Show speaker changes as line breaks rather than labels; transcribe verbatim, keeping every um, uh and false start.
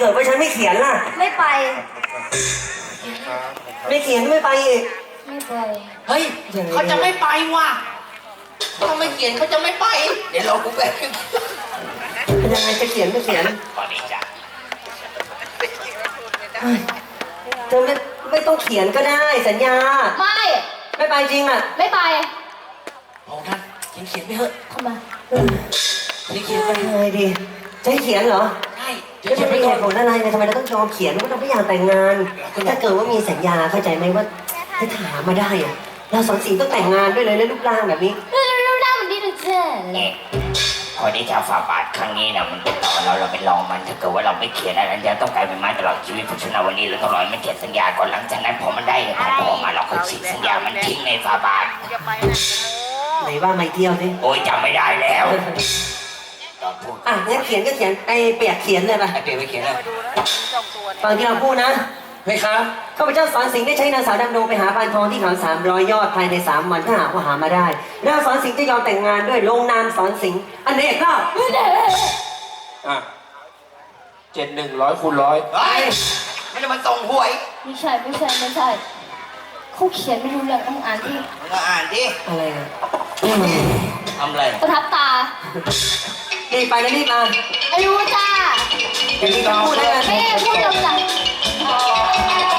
กิดว่าฉันไม่เขียนล่ะ
ไม่ไป
ไม่เขียนไม่ไปอีก
ไม่ไป
เฮ้ยเขาจะไม่ไปว่ะเขาไม่เขียนเขาจะไม่ไปเดี๋ยวเรากูแบบ
เป็นยังไงจะเขียนไม่เขียน
ตอนนี้จ้ะ
เธอไม่ไม่ต้องเขียนก็ได้สัญญา
ไม่
ไม่ไปจริงอ่ะ
ไม่ไป
โอ้ท่านเขียนเขียนไปเถอะ
ทำไม
เขียนไป
เลยดิจะให้เขียนเหรอ
ใช่
จะจะไม่เหตุผลอะไรเนี่ยทำไมเราต้องยอมเขียนว่าเราไม่อยากแต่งงานถ้าเกิดว่ามีสัญญาเข้าใจไหมว่าถ้าถามมาได้อะเราสอนสีต้องแต่งงานด้วยเลยแล้วรูปร่างแบบนี้
รูปร่างมันดีดูเจ้
เนี่ยพอที่จะฝ่าบาทครั้งนี้นะมันเป็นต่อเราเราเป็นรองมันถ้าเกิดว่าเราไม่เขียนอะไรจะต้องกลายเป็นไม้ตลอดชีวิตเพราะฉะนั้นวันนี้เราต้องรอมันเขียนสัญญาก่อนหลังจากนั้นพอมันได้เนี่ยพอมาเราค่อยฉีกสัญญามันทิ้งในฝ่าบาท
ไหนว่าไม่เที่ยวสิ
โอ้ยจำไม่ได้แล้ว
อ่ะงั้นเขียนก็เขียนไอ้เปียกเขียนเลยป่ะ
ไอ้เปียกไปเขียนเลย
ฟังที่เราพูดนะ
ไหมครับ
ข้าพเจ้าสอนสิงห์ได้ใช้นางสาวดำดงไปหาพานทองที่เขาสามร้อยยอดภายในสามวันถ้าหากว่าหามาได้นางสอนสิงห์จะยอมแต่งงานด้วยลงนามสอนสิงห์อันนี้ก็
อ่ะเจ็ดหนึ่งร้อยคูณร้อย
ไม่ได้มาส่งหวย
ไม่ใช่ไม่ใช่ไม่ใช่เขาเขียนไม่รู้เรื่องต้องอ่านที่
มาอ่านดิ
อะไรอ่ะ
ทำอะไร
ประทับตา
รีบไปแล้วรีบมา
ไม่รู้จ้า
รีบพูดได้ไหม
ไม่พูดเร็วจัง